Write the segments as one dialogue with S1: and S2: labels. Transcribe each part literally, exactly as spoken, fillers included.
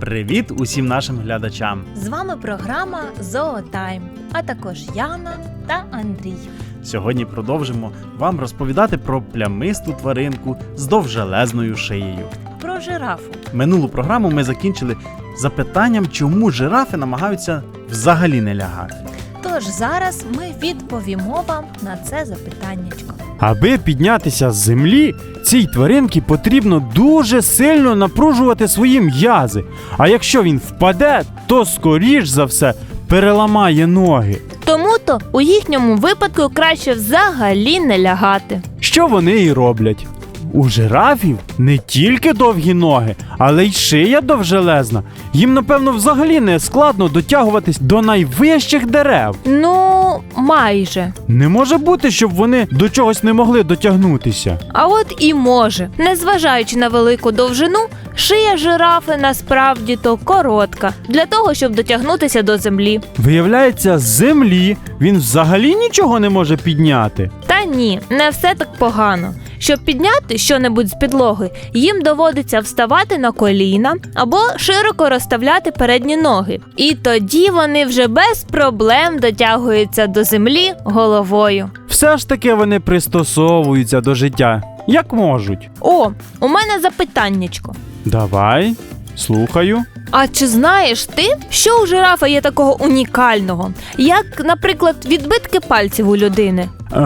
S1: Привіт усім нашим глядачам!
S2: З вами програма «Зоотайм», а також Яна та Андрій.
S1: Сьогодні продовжимо вам розповідати про плямисту тваринку з довжелезною шиєю.
S2: Про жирафу.
S1: Минулу програму ми закінчили запитанням, чому жирафи намагаються взагалі не лягати.
S2: Тож зараз ми відповімо вам на це запитаннячко.
S3: Аби піднятися з землі, цій тваринці потрібно дуже сильно напружувати свої м'язи. А якщо він впаде, то скоріш за все переламає ноги.
S2: Тому-то у їхньому випадку краще взагалі не лягати.
S3: Що вони і роблять? У жирафів не тільки довгі ноги, але й шия довжелезна. Їм, напевно, взагалі не складно дотягуватись до найвищих дерев.
S2: Ну, майже.
S3: Не може бути, щоб вони до чогось не могли дотягнутися.
S2: А от і може. Незважаючи на велику довжину, шия жирафи насправді-то коротка, для того, щоб дотягнутися до землі.
S3: Виявляється, з землі він взагалі нічого не може підняти.
S2: Та ні, не все так погано. Щоб підняти що-небудь з підлоги, їм доводиться вставати на коліна або широко розставляти передні ноги. І тоді вони вже без проблем дотягуються до землі головою.
S3: Все ж таки вони пристосовуються до життя, як можуть.
S2: О, у мене запитаннячко.
S3: Давай, слухаю.
S2: А чи знаєш ти, що у жирафа є такого унікального, як, наприклад, відбитки пальців у людини?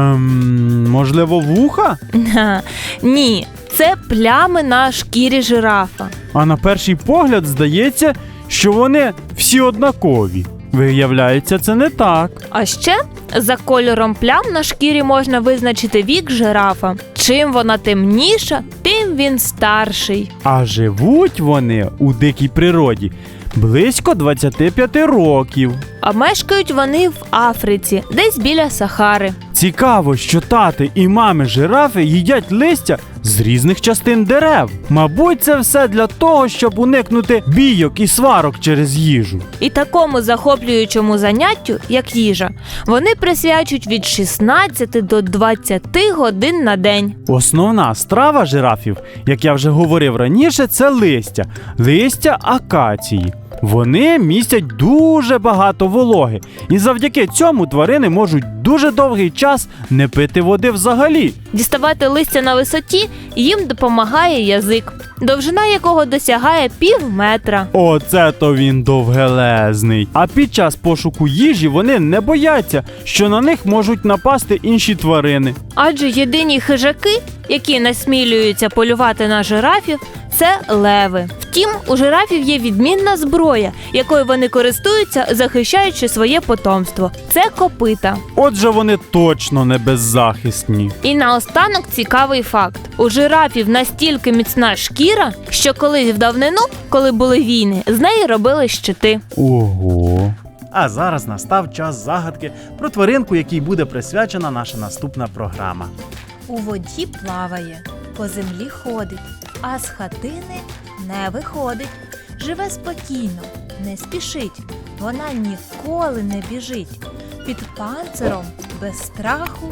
S3: Ем, можливо, вуха?
S2: Ха, ні, це плями на шкірі жирафа.
S3: А на перший погляд здається, що вони всі однакові. Виявляється, це не так.
S2: А ще за кольором плям на шкірі можна визначити вік жирафа. Чим вона темніша, тим він старший.
S3: А живуть вони у дикій природі близько двадцять п'ять років.
S2: А мешкають вони в Африці, десь біля Сахари.
S3: Цікаво, що тати і мами жирафи їдять листя з різних частин дерев. Мабуть, це все для того, щоб уникнути бійок і сварок через їжу.
S2: І такому захоплюючому заняттю, як їжа, вони присвячують від шістнадцяти до двадцяти годин на день.
S3: Основна страва жирафів, як я вже говорив раніше, це листя. Листя акації. Вони містять дуже багато вологи, і завдяки цьому тварини можуть дуже довгий час не пити води взагалі.
S2: Діставати листя на висоті їм допомагає язик, довжина якого досягає пів метра.
S3: Оце то він довгелезний. А під час пошуку їжі вони не бояться, що на них можуть напасти інші тварини.
S2: Адже єдині хижаки, які насмілюються полювати на жирафів, це леви. Втім, у жирафів є відмінна зброя, якою вони користуються, захищаючи своє потомство. Це копита.
S3: Отже, вони точно не беззахисні.
S2: І наостанок цікавий факт. У жирафів настільки міцна шкіра, що колись в давнину, коли були війни, з неї робили щити.
S3: Ого.
S1: А зараз настав час загадки про тваринку, якій буде присвячена наша наступна програма.
S2: У воді плаває, по землі ходить, а з хатини не виходить. Живе спокійно, не спішить, вона ніколи не біжить. Під панциром, без страху,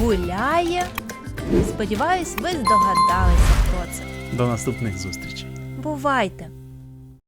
S2: гуляє. Сподіваюсь, ви здогадалися, хто це.
S1: До наступних зустрічей.
S2: Бувайте!